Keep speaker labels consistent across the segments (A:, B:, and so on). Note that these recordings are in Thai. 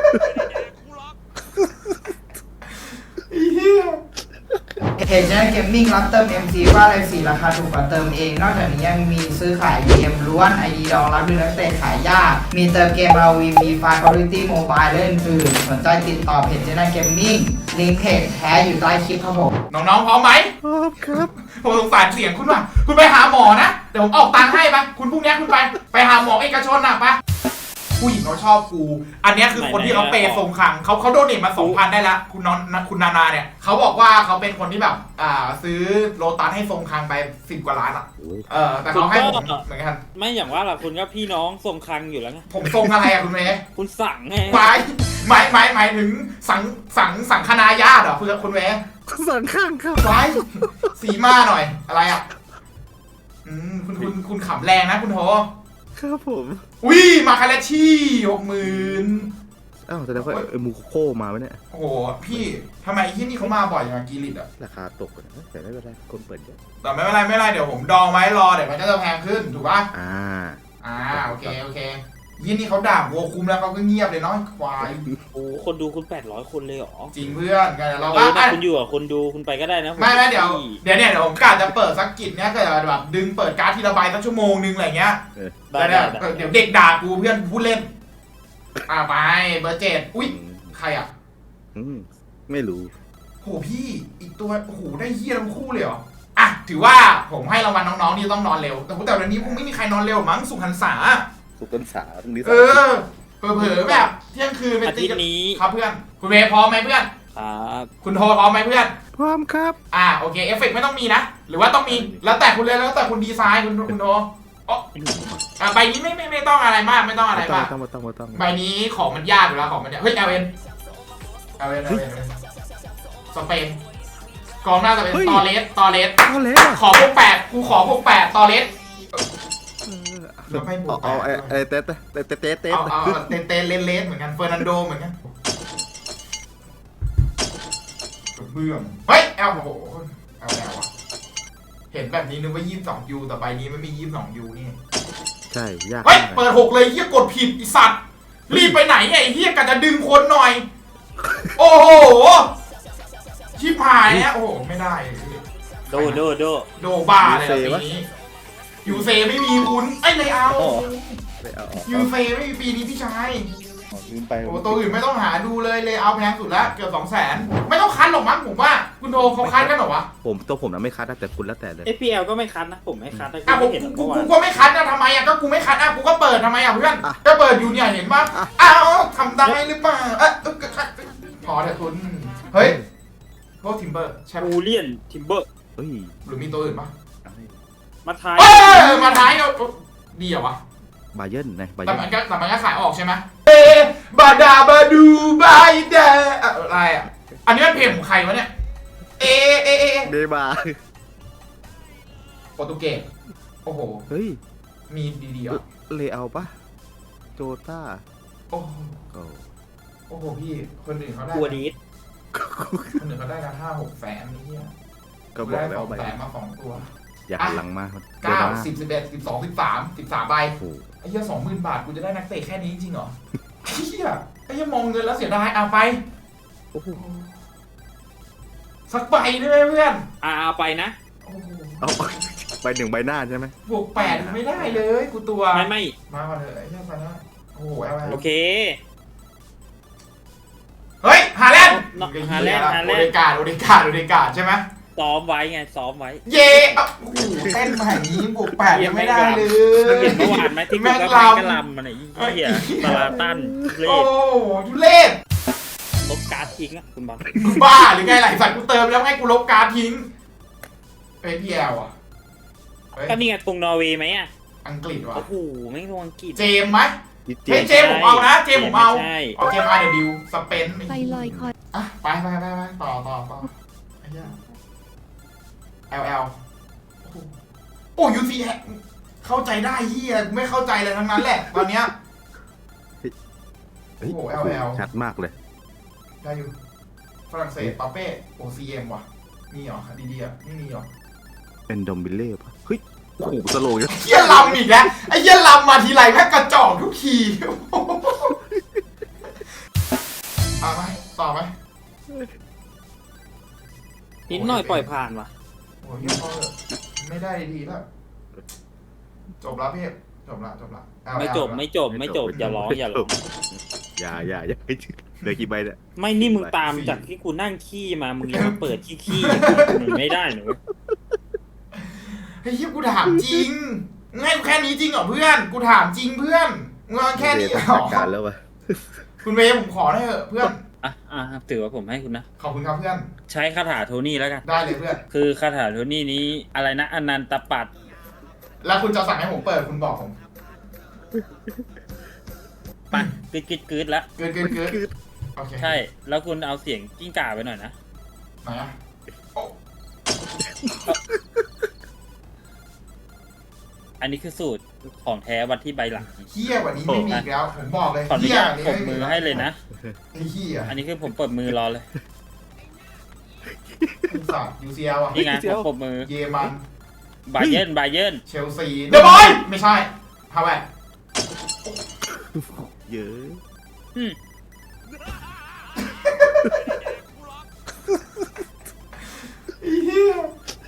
A: เพจเกมมิ่งรับเติม MC ว่าอะไรสีราคาถูกกว่าเติมเอง นอกจากนี้ยังมีซื้อขายเกมล้วน ID ดองรับดูนักเตะขายยากมีเติมเกม RV มีไฟล์ Quality Mobile และอื่นๆสนใจติดต่อเพจเกมมิ่งลิงก์เพจแท้อยู่ใต้คลิปครับผมน้องๆพร้อมไหมพร้อมครับผมสงสารเสียงคุณว่ะคุณไปหาหมอนะเดี๋ยวผมออกตังค์ให้ปะคุณพรุ่งนี้คุณไปหาหมอเอกชนนะปะผู้หญิงเขาชอบกูอันนี้คือคนที่เขาเปย์ทรงขังเขาโดเนทมา 2,000 ได้ละคุณนานาเนี่ยเขาบอกว่าเขาเป็นคนที่แบบซื้อโลตัสให้ทรงขังไป10 กว่าล้านอ่ะแต่เขาให้ผมเหมือนกัน
B: ไม่อย่างว่าล่ะคุณก็พี่น้องทรงคังอยู่แล้วไง
A: ผมทรงอะไรอะคุณเมย์
B: คุณสั่งไง
A: หมายถึงสังคณาญาติเหรอคุณเมย์
C: สังข้างครับ
A: ไว้สีมาหน่อยอะไรอ่ะคุณขำแรงนะคุณโท
C: ครับผม
A: วิมาคาเลชี่60,000
C: อ้าวแสดงว่ามูโคมาไหมเนี่ย
A: โอ้โหพี่ทำไมที่นี่เขามาบ่อยอย่างกีริตอะ
C: ราคาตกแต่ไม่เป็นไรคนเปิดเยอะ
A: แต่ไม่เป็นไรเดี๋ยวผมดองไว้รอเดี๋ยวมันก็จะแพงขึ้นถูกป่ะโอเคยี่นี่เขาด่าวัวคุ้มแล้วเขาก็เงียบเลยเนาะควาย
B: โอ้คนดูคุณ800 คนเลยเหรอ
A: จริงเพื่อนไงเรา
B: คุณอยู่อ่ะคนดูคุณไปก็ได้นะ
A: ไม่เดี๋ยวผมกะจะเปิดสักกิจเนี้ยก็แบบดึงเปิดการ์ดทีละใบสักชั่วโมงนึงอะไรเงี้ยเดี๋ยวเด็กด่ากูเพื่อนพูดเล่นไปเบอร์7อุ๊ยใครอ่ะ
C: ไม่รู้
A: โหพี่อีกตัวโหได้เฮียทั้งคู่เลยเหรออ่ะถือว่าผมให้รางวัลน้องๆที่ต้องนอนเร็วแต่วันนี้คงไม่มีใครนอนเร็วมั้งสุขหันษา
C: สุขหันษาตรงนี้
A: เผลอแบบเที่ยงคืนไปตีกันนี้ครับเพื่อนคุณเวพร้อมไหมเพื่อน
B: ครับ
A: คุณโทพร้อมไหมเพื่อน
C: พร้อมครับ
A: โอเคเอฟเฟกต์ไม่ต้องมีนะหรือว่าต้องมีแล้วแต่คุณเลยแล้วแต่คุณดีไซน์คุณโทใบนี้ไม่ต้องอะไรมากไม่ต้องอะไรมากใบนี้ของมันยากอยู่แล้วของมันเนี่ยเฮ้ยเอเวนสเปนกองหน้าจะเป็นตอเลสขอพวก8กูขอพวก8ตอเลสแล้วไม่บวก
C: เอาเต้
A: เลสเหมือนกันเฟอร์นันโดเหมือนกันเบื่อเฮ้ยโอ้โหเอาแล้วอ่ะเห็นแบบนี้นึกว่า22 ยูแต่ใบนี้ไม่มี22 ยูนี่
C: ใช่ยาก
A: เฮ้ยเปิด6เลยเฮียกดผิดไอสัตว์รีบไปไหนไงเฮียกะจะดึงคนหน่อยโอ้โหชิบหายเนี่ยโอ้โหไม่ได้โดบ้าเลยปีนี้ยูเซไม่มีคุณไอ้เลยเอายูเซไม่มีปีนี้พี่ชายโอ้ตัวอื่นไม่ต้องหาดูเลยเอาแพงสุดแล้วเกือบ200,000ไม่ต้องคัดหรอกมั้งผมว่าคุณโทเขาคัดกันหรอวะ
C: ผมนะไม่คัดแต่คุณแล้วแต่เลย
B: FPL ก็ไม่คัดนะผมไม่คัด
A: กูก็ไม่คัดนะทำไมก็กูไม่คัดกูก็เปิดทำไมเพื่อนก็เปิดอยู่เนี่ยเห็นปะทำได้หรือเปล่าพอเถอะคุณเฮ้ยพวกทิมเบอร์
B: ใช่บูเลียนทิมเบอร์
A: หรือมีตัวอื่นปะ
B: มาท้าย
A: ดีเหรอวะ
C: บาเยิร์นไง
A: แต่มันก็ขายออกใช่ไหมบาดาบาดูบายเดอะไรอ่ะอันนี้มันเพลงของใครวะเนี่ย
C: เดบา
A: โปรตุเกสโอ้โห
C: เฮ้ย
A: มีดีๆอ่ะ
C: เลเอาปะโจต้า
A: โอ้โหพี่คนอื่นเขาได้
B: ตัวนี้
A: คนอื่นเขาได้กัน5-6 แสนนี่เนี่ย
C: ก็บอกแล้ว
A: ไปมา2 ตัว
C: อย่าหันหลังมา
A: 9 10 11 12 13ใบไอ้เหี้ย20,000 บาทกูจะได้นักเตะแค่นี้จริงเหรอเหี้ยไอ้เหี้ยมองเงินแล้วเสียดายไปสักใบได้ไหมเพื่อน
B: เอาไปนะ
C: เอาไป1 ใบหน้าใช่ไหม
A: บวก8ไม่ได้เลยกูตัว
B: ไม่
A: มาก่อนเลยไอ้เหี้ยไปนะโอ้โห
B: โอเค
A: เฮ้ยฮาแลนด์โอเดกาใช่ไหม
B: ซ้อมไว้ไงซ้อมไว้
A: เย่โอ้โหเต้นมาอย่างนี้บวก8ยังไม่ได้เลย
B: เห็นเมื่อวานไหมที่กูกระลำมันไอ้เหี้ยตลาตันเล่
A: โอ้ทุเล่
B: ลบการ์ดทิ้งอ่ะคุณบอล
A: บ้าหรือไงหลายสัตว์กูเติมแล้วให้กูลบการ์ดทิ้งพี่แอลอ่ะ
B: ก็นี่ไงตรงนอร์เวย์ไหมอ่ะ
A: อังกฤษวะ
B: โอ้โหไม่ตรงอังกฤษ
A: เจมไหมเจมผมเอานะเจมผมเอาเจมRWสเปน
D: ไปลอยคอย
A: ไปต่อไอ้เหี้ยLL โอ้ยูซีเข้าใจได้เฮียไม่เข้าใจเลยทั้งนั้นแหละตอนเนี้ยโอ้โห LL
C: ชัดมากเลย
A: ได้อยู่ฝรั่งเศสปาเป้OCM ว่ะมีเหรอดีๆอ่ะไม่มีเหรอ
C: เป็นดอมบิเล่ปะเฮ้ยโอ้โหสโลว์
A: เฮียลำอีกแล้วไอ้เฮียลำมาทีไรแม่งกระจอกทุกที
D: เอาไหมต่อไหม
B: นิดหน่อยปล่อยผ่านว่ะ
D: โอ้ยพอเถอะไม่ได้ดีแล้วจบแล้วพี่จบละเอา
B: ไม่จบ
D: เอา
B: ไม่จบไม่จบอย่าร้องอย่าร้อง
C: อย่าเหลือกี่ใบเนี่ย
B: ไม่นี่มึงตามจากที่กูนั่งขี้มามึงยังมาเปิดขี้มึงไม่ได้หนู
D: เฮ้ยกูถามจริงง่ายแค่นี้จริงเหรอเพื่อนกูถามจริงเพื่อนมึงเอาแค่นี้เหร
C: จั
D: อ
C: ดการแล้ววะ
D: คุณเวย์ผมขอได้เถอะเพื่อน
B: อ่ะถือว่าผมให้คุณนะ
D: ขอบคุณครับเพื่อน
B: ใช้คาถาโทนี่แล้วกัน
D: ได้เลยเพื่อน
B: คือคาถาโทนี่นี้อะไรนะอนันตปัต
D: แล้วคุณจะสั่งให้ผมเปิดคุณบอกผม
B: ปัดกึดแล้ว
D: เกินโอเค
B: ใช่แล้วคุณเอาเสียงกิ้งก่าไปหน่อยนะ
D: ไหนอะโอ้
B: อันนี้คือสูตรของแท้วันที่ใบหลัง
D: เฮี้ยกว่านี้ไม่มีอีกแล้วผมบอกเลย
B: ขออนุ
D: เฮี้ย
B: ญาต
D: กว่านี้
B: ปรบมือให้เลยนะ
D: ไอ้เฮี้ย
B: อันนี้คือผมปรบมือรอเลย
D: สัตว์ยูซีเอลอะ
B: นี่ไงผมปรบมือ
D: เยมัน
B: บาเยิร์น
D: เชลซีเดอะบอยไม่ใช่ฮาวเวร์
C: เยอะ
B: อืม
D: ไอ้เฮี้ย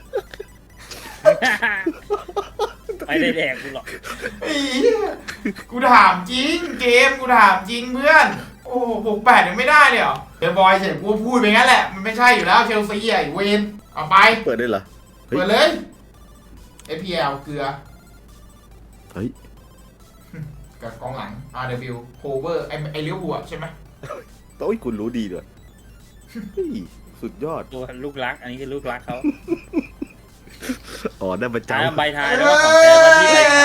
B: ไม่ได้แดกกูหรอก
D: ไอ้เหี้ยกูถามจริงเกมกูถามจริงเพื่อนโอ้บวก8ยังไม่ได้เลยเหรอเดอะบอยเฉยกูพูดไปงั้นแหละมันไม่ใช่อยู่แล้วเชลซีไอ้เวนเอาไป
C: เปิดได้เหรอ
D: เปิดเลย FPL เกลือ
C: เฮ้ย
D: กับกองหลัง RW Cover ไอ้เลี้ยวหัวใช่ไหม
C: โต้ยคุณรู้ดีด้วยเฮ้ยสุดยอด
B: ตัวลูกรัก อันนี้คือลูกรักเขา
C: อ๋อได้ประ
B: ท้าย
C: จำ
B: ใบท้ายแล้วก็ของแท้วันที่ใบท้าย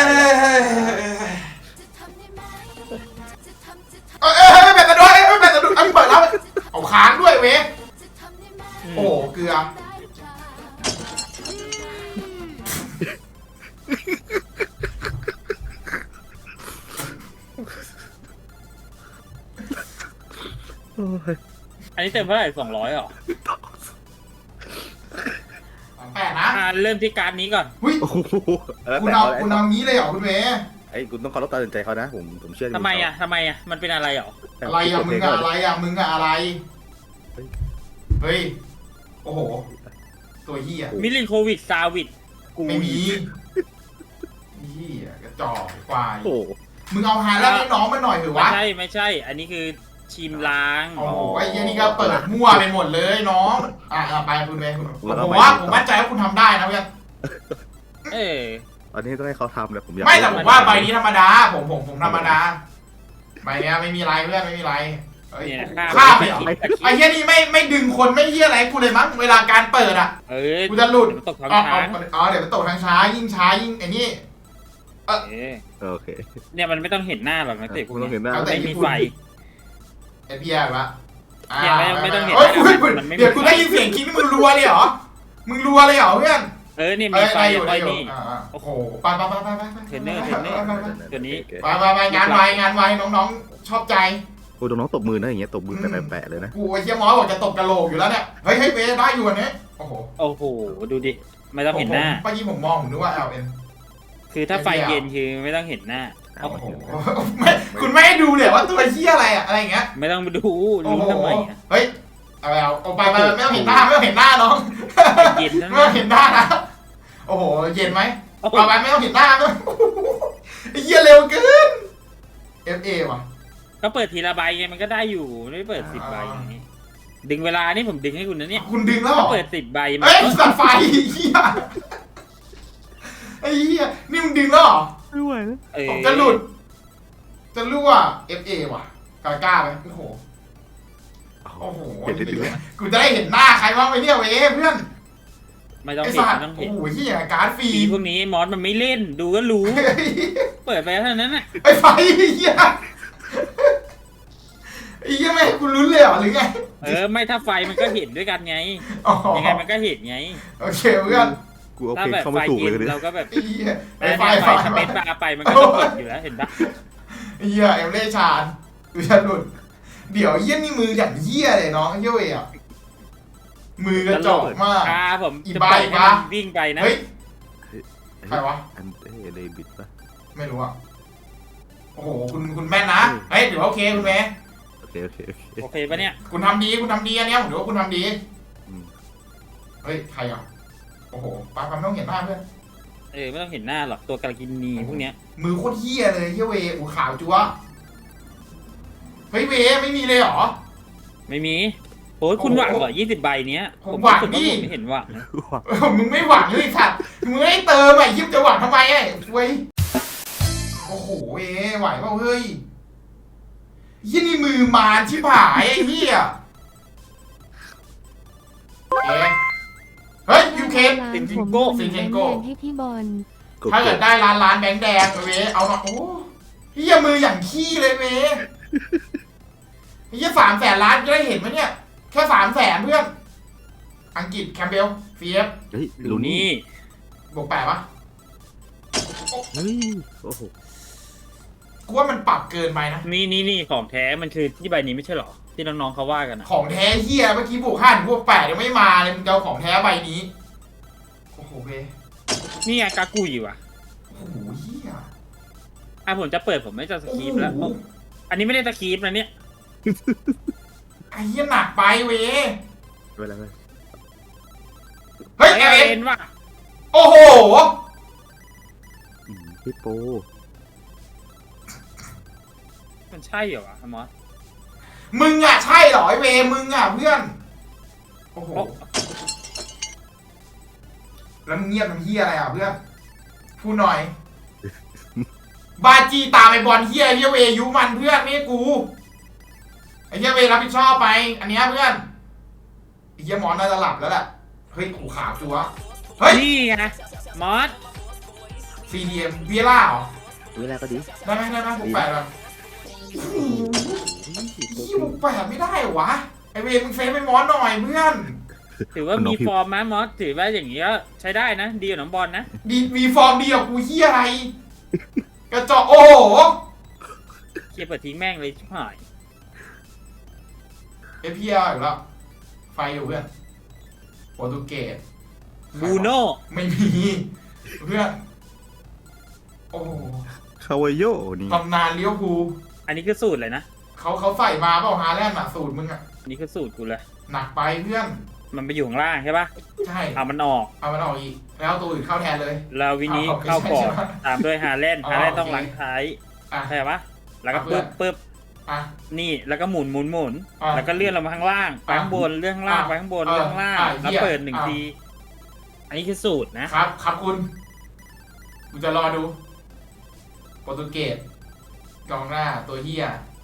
D: ไม่เป็นตะด้วยไม่เป็นตะด้วยเปิดแล้วเอาค้างด้วยเว้ยโอ้เกลือ
B: อันนี้เต็มเท่าไหร่200หรอ
D: 8นะ
B: เริ่มที่การนี้ก่อน
D: หุ้ย
C: โอ้โหแล้ว
D: คุณ
C: แต่
D: เอา
C: เขา
D: คุณเอางี้เลยเหรอคุณเมย์
C: ไอ้คุณต้องเคารพตัดสินใจเขานะผมเชื่อใน
B: ทำไมอ่ะมันเป็นอะไรหรอ
D: อะไรอะมึงอะอะไรอะมึงอะอะไร เฮ้ย โอ้โห ตัวเหี้ย
B: มิลินโควิดซาวิดกู
D: ไม่มีเหี้ยกระจอกควาย
C: โอ้
D: มึงเอาหาแล้วให้น้องมันหน่อยเถอะ
B: ไม่
D: วะ
B: ใช่ อันนี้คือชิมล้าง
D: โอ้โหไอ้เหี้ยนี่ก็เปิดมั่วไปหมดเลยน้องไปคุณเมย์ผมว่าผมมั่นใจว่าคุณทำได้นะเพื่อน
B: เออ
C: ตอนนี้ต้องให้เขาทำเลยผมอยาก
D: ไม่แต่ผมว่าใบนี้ธรรมดา ผมธรรมดาใบเนี้ยไม่มีไรเพื่อนไม่มีไรเฮ้ย
B: เนี่ย
D: ข้ามไปเหรอไอ้เหี้ยนี่ไม่ดึงคนไม่เหี้ยอะไรกูเลยมั้งเวลาการเปิดอ่ะ
B: เออ
D: กูจะหลุด
B: มันตกทาง
D: อ๋อ
B: ช้าง
D: เดี๋ยวมันตกทางช้ายิ่งช้ายิ่งไอ้นี่
C: โอเค
B: เนี่ยมันไม่ต้องเห็นหน้าหรอกนะเตะพว
C: คุ
B: ก
C: ณต้อง
B: เนี้
C: เห็นหน้า
B: ไม่มีไฟ
D: ไอพีอาร์วะ
B: เนี่ยไม่ต้องเห็น
D: เฮ้ย
B: มันไม่มี
D: เดี๋ยวกูได้ยินเสียงคิดมึงรัวเลยเหรอมึงรัวเลยเหรอเพื่อน
B: เนี่ยมีไฟ
D: อยู่
B: ไฟ
D: ได้อยู่
B: นี่
D: โอ้โหไป
B: เทรนเนอร์ตัวนี้
D: ไปงานไวน้องๆชอบใจ
C: โอ้น้องๆตบมือนะอย่างเงี้ยตบมือแปะๆเลยนะ
D: กูไอ้เชี่ยมอสบอกจะตบกระโหลกอยู่แล้วเนี่ยเฮ้ยเวได้อยู่อันนี้โอ้โห
B: โอ้โหดูดิไม่ต้องเห็นหน้า
D: เมื่อกี้ผมมองผมนึกว่า LN
B: คือถ้าไฟเย็นคือไม่ต้องเห็นหน้า
D: โอ้โหไม่คุณไม่ให้ดูเลยว่าตัวเชี่ยอะไรอะอะไรอย่างเงี้ย
B: ไม่ต้องดูรู้ทำไมอ่ะ
D: เฮ้ยเอาไปไม่ต้องเห็นหน้าไม่ต้องเห็นหน้าน้อง
B: เย็นนั่น
D: ไม่ต้องเห็นหน้านะโอ้โหเย็นไหมเอาไปไม่ต้องเห็นหน้าไม่ไอ้เหี้ยเร็วเกิน FA ว่ะ
B: ก็เปิดทีละใบไงมันก็ได้อยู่ไม่เปิด10 ใบไงดึงเวลานี่ผมดึงให้คุณนะเนี่ย
D: คุณดึงแล้วเหร
B: ก็
D: อ
B: เปิด10 ใบมา
D: เฮ้ยสัตว์ไฟเหี้ยไอ้เหี้ยนี่มึงดึงแล้วเหรอ
C: ไม่ไหวแล้ว
D: ผมจะหลุดจะรั่ว FA ว่ะกล้าไหมโอ้โหโอ้โห
C: เห็นได้ดีไหม
D: กูจะได้เห็นหน้าใครบ้างไหมเนี่ยเว้ยเพื่อน
B: ไม่ต้อง
D: ไอ้
B: เห็น
D: สัตว์
B: ไม่ต้อง
D: โอ้
B: เห็น
D: โหเหี้ยการ์ดฟรี
B: ปีพวกนี้มอสมันไม่เล่นดูก็รู้ เปิดไปเท่านั้นน่ะ
D: ไอ้ไฟเหี้ยไอ้เหี้ยไม่ให้กูลุ้นเลยเหรอหรือไง
B: ไม่ถ้าไฟมันก็เห็นด้วยกันไง
D: อ๋อ
B: ยังไงมันก็เห็นไง
D: โอเคเพื่อน
C: กูเอา
B: ถ้า
C: เพลง
B: แบบ
C: เข้า
B: ไฟ
C: ไม่ถูก
B: เย็
C: เลย
B: น
C: เนี่ย
B: เราก็แบบ
D: ไอ้เหี้ยไอ้
B: ไฟ
D: ไฟ
B: สเปซบาร์ไปมันก็ต้องเห็นอยู่แล้วเห็นปะ
D: ไอ้เหี้ยเอมเล่ชาญกูจะหลุดเดี๋ยวเหี้ยนี่มืออย่างเหี้ยเลยน้องเหี้ยเว้ยอ่ะมือกระจอกมาก
B: ผม
D: อี
B: จะ
D: บ้า
B: ปล่อย
D: อี
B: ให้
D: บ้า
B: มันวิ่งไปนะ
D: เฮ้ย ใครวะ
C: อันเต้เดบิดปะ
D: ไม่รู้อ่ะโอ้โหคุณแม่นนะเฮ้ยเดี๋ยวโอเคคุณแม่
C: โอเคโอเคโอเค
B: โอเคปะเนี่ย
D: คุณทำดีคุณทำดีอันเนี้ยผมถือว่าคุณทำดี
C: อืม
D: เฮ้ยใครอ่ะโอ้โหปาไม่ต้องเห็นหน้าเพื่อน
B: ไม่ต้องเห็นหน้าหรอกตัวกาลกินีพวกเนี้ย
D: มือโคตรเฮี้ยเลยเฮี้ยเวอูขาวจั๊วเฮ้ยเวไม่มีเลยเหรอ
B: ไม่มีโอ้ยคุณหวังเหรอ20 ใบเนี้ย
D: ผมหวัง
B: รู้สึก
D: ดิ
B: ผมไม่เห็นหวังนะ
D: มึงไม่หวังเลยสัตว์มึงไม่เติมไอ้ยิบจะหวังทำไมไอ้เว้ยโอ้โหเวไหวเปล่าเฮ้ยยี่นี่มือมารชิบหายไอ้เหี้ยเฮ้ยยูเคน
B: ซิงซิงโก้
D: ซิงซิงโก้
E: ให้พี่บอล
D: ถ้าเกิดได้ล้านแบงค์แดงเวเอาหน่อยโอ้เหี้ยมืออย่างขี้เลยเวเหี้ย300,000 ล้านจะได้เห็นไหมเนี่ยแค่300,000เพื่อนอังกฤษแคมเบลฟีฟ
C: เฮ้ย
B: ลู
C: ลู
B: นี่
C: นี่
D: บวก8ปะ
C: เฮ้ยโอ้โห
D: กูว่ามันปรับเกินไปนะ
B: นี่ของแท้มันคือที่ใบนี้ไม่ใช่หรอที่น้องๆเขาว่ากันอะ
D: ของแท้เฮียเมื่อกี้บวก5ถึงบวก8ยังไม่มาเลยมึงจะเอาของแท้ใบนี้โอ้โหเว
B: นี่ไงกากุยว่ะ
D: โอ้โหเฮีย
B: ผมจะเปิดผมไม่จะสคริปต์แล้ว
D: โอ้โห
B: อันนี้ไม่ได้สคริปต์นะเนี่ย
D: ไอ้เฮียหนักไปเว
C: เวลา
D: เฮ้ย
B: ไอ
D: เอ
B: เอ็นว่ะ
D: โอ้โห
C: พี่โป
B: มันใช่เหรอวะมอส
D: มึงอ่ะใช่เหรอไอเวมึงอ่ะเพื่อนโอ้โห
B: โอ้
D: แล้วมึงเงียบทำเฮียอะไรอ่ะเพื่อนพูดหน่อย บาจีตามไอบอลเฮียเฮียเวยุมันเพื่อนไม่ใช่กูไอเฮียเวรับผิดชอบไป อันเนี้ยเพื่อนไอเฮียหมอนน่าจะหลับแล้วแหละเฮ้ยกูขาวจัวเฮ้ย
B: นี่ไงมอส
D: CDM เวียล่าเหรอ
C: เวลาก็ดี
D: ได้ไหมบวก8แบบยี่บวก8ไม่ได้เหรอวะไอเวมึงเซฟไปหมอนหน่อยเพื่อน
B: ถือว่ามีฟอร์มไหมมอสถือว่าอย่างนี้ก็ใช้ได้นะดีกว่าน้องบอลนะ
D: ดีมีฟอร์มดีกว่ากูเฮียอะไร กระจอกโอ้โห
B: เคลียร์เปิดทิ้งแม่งเลยชิบหาย
D: เอพีเออีกแล้วไฟอยู่เพื่อนโปรตุเกส
B: บูโน่
D: ไม่มีเพื่อนโอ้โห
C: คาวาโยนี่
D: ตำนานเลี้ยวภูล
B: อันนี้คือสูตรเลยนะ
D: เขาใส่มาเปล่าฮาแลนด์อะสูตรมึงอะ
B: อันนี้คือสูตรกูเลย
D: หนักไปเพื่อน
B: มันไปอยู่ข้างล่างใช่ปะ
D: ใช่
B: เอามันออก
D: เอามันออกอีก แล้วเอาตัวอื่นเข้าแทนเลย
B: แล้ววินี้
D: เอา
B: เข้าก่อน
D: ไม่ใช่
B: ตามด้วยฮาแลนด์
D: อ๋อ
B: ฮาแลนด์ต้อง
D: โอเค
B: ล้างท้าย
D: อ่ะ
B: ใช่ปะแล้วก็
D: เอาเพื่
B: ปึ๊
D: อน
B: บ
D: อ่ะ
B: นี่แล้วก็หมุน
D: อ่ะ
B: แล้วก็เลื่อนลงมาข้างล่างไปข้างบนเลื่อนข้างล่าง
D: อ่ะ
B: ไปข้างบน
D: อ่ะ
B: เลื่อนข้างล่าง
D: อ่ะ
B: แล้ว
D: เหี้ย
B: เปิดหนึ่ง
D: อ่ะ
B: ที อันนี้คือสูตรนะครับ
D: ครับคุณกูจะรอดูโปรตุเกสกองหน้าตัวเฮีย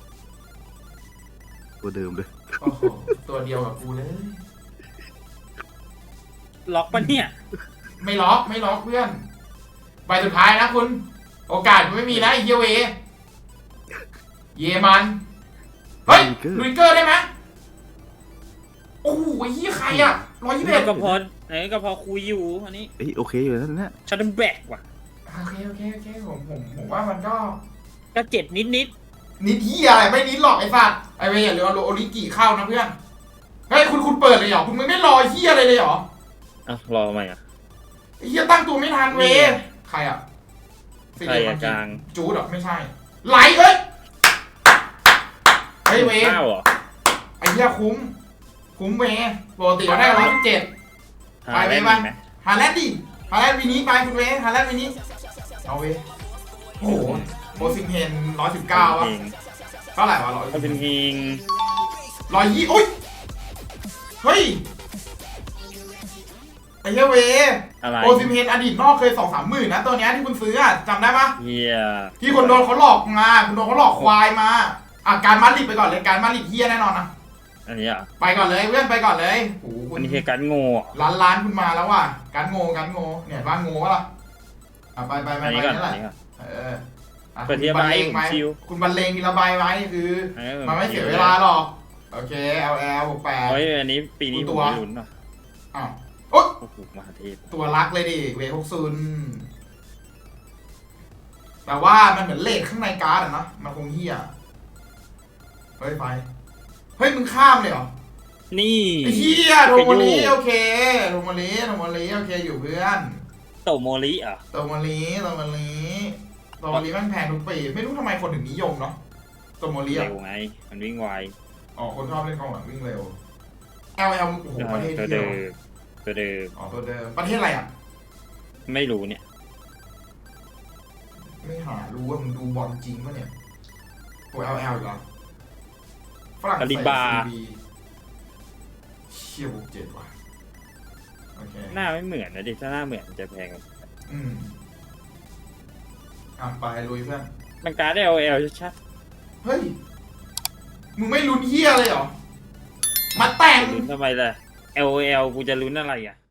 C: ตัวเดิมเลย
D: โอ้โหตัวเดียวกับกูเลย
B: ล็อกปะเนี่ย
D: ไม่ล็อกเพื่อนใบสุดท้ายนะคุณ โอกาสมันไม่มีนะไอ้เฮียเว เยมัน เฮ้ยลุยเกอร์ได้ไหมโอ้โหไอ้เฮียใครอะ121
B: ก็พอก็พอคุยอยู่อันนี้
C: เอ้ยโอเคอยู่แล้วนะ
B: ชัดเดิลแบกว่ะ
D: โอเคผมว่ามันก็
B: ก็เจ็บนิด
D: นิดเฮียอะไรไม่นิดหรอกไอ้สัตว์ไอ้เวอย่าลืมเอาโอริกิเข้านะเพื่อนเฮ้ยคุณเปิดเลยเหรอคุณไม่รอเฮียอะไรเลยเหรอ
B: อ่ะรอไหมอ่ะ
D: ไอ้เฮียตั้งตัวไม่ทันเว
B: นี่ไง
D: ใครอ่ะ
B: ใครอะกลาง
D: จูดหรอไม่ใช่ไหลเอ้ยเฮ้ยเว
B: ข้าวเหรอ
D: ไอ้เหี้ยคุ้มเวปกติเราได้117
B: หาได้
D: ไป
B: ไหม
D: ฮาแลนด์ดิฮาแลนด์วีนี้ไปคุณเวฮาแลนด์วีนี้เอาเวโอ้โหโบซิงเฮน119วะเท่าไหร่วะ
B: เขาเป็นฮิง
D: 120โอ้ยเฮ้ยไอ้เหี้ยเว
B: อะไร
D: โบซิงเฮนอดีตนอกเคย 2-3 หมื่นนะตัวเนี้ยที่คุณซื้ออะจำได้ปะ
B: เฮีย
D: ที่คนโดนเขาหลอกมาคุณโดนเขาหลอกควายมาการมาดริดไปก่อนเลยการมาดริดเฮียแน่นอนนะ
B: อันนี้อ่ะ
D: ไปก่อนเลยเพื่อนไปก่อนเลยโอ้โหคุ
B: อั
D: ณ
B: นนี้คือการโง่อะ
D: ล้านคุณมาแล้วว่ะการโง่เนี่ยบ้านโง่วะล่ะไป
B: อันนี้ก่อน
D: นี่แห
B: อั
D: ละ
B: นนี้ก่อน
D: อ่ะ
B: เปิดทีละใบผมชิว
D: คุณบรรเลงทีละใบไว้คือ มันไม่เสียเวลาหรอกโอเค LL บวก
B: โอ้ยอันนี้ปีนี้
D: ตั
B: ผม
D: ว
B: ไม่ลุ้นอ่ะ
D: 8อ้าวโอ๊ย
B: โอ้โหมหาเทพ
D: ตัวรักเลยดิเวพกซุนแต่ว่ามันเหมือนเลขข้างในการ์ดอะนะมันคงเฮียเฮ้ยไปเฮ้ยมึงข้ามเลยเหรอ
B: นี่
D: ไอ้เฮียโทโมลีโอเคโทโมลีโอเคอยู่เพื่อน
B: โตโมริอ่ะ
D: โทโมลีแม่งแพงทุกปีไม่รู้ทำไมคนถึงนิยมเนาะตัวโมลีอะ
B: เร็วไง มันวิ่งไว
D: อ๋อคนชอบเล่นกองหลังวิ่งเร็ว LL โอ้โหประเทศ
B: ตัว
D: เที่ย
B: เดิ
D: ว
B: มตัวเดิม
D: อ๋อตัวเดิมประเทศอะไรอ่ะ
B: ไม่รู้เนี่ย
D: ไม่หารู้ว่ามึงดูบอลจริงปะเนี่ยตัว LL อีกแล้วฝรั่งเศส
B: กาลิบา
D: CB เชี่ยบุกเจ็ดว่ะโอเค
B: หน้าไม่เหมือนนะดิถ้าหน้าเหมือนจะแพงกว่า
D: อืมอ่ะไปลุยเพื่อน
B: มันการ์ดLL ชัด
D: เฮ้ย มึงไม่ลุ้นเฮียเลยเหรอ มาแต่ง
B: ๆลุ้นทำไมล่ะ LL กูจะลุ้นอะไรอ่ะ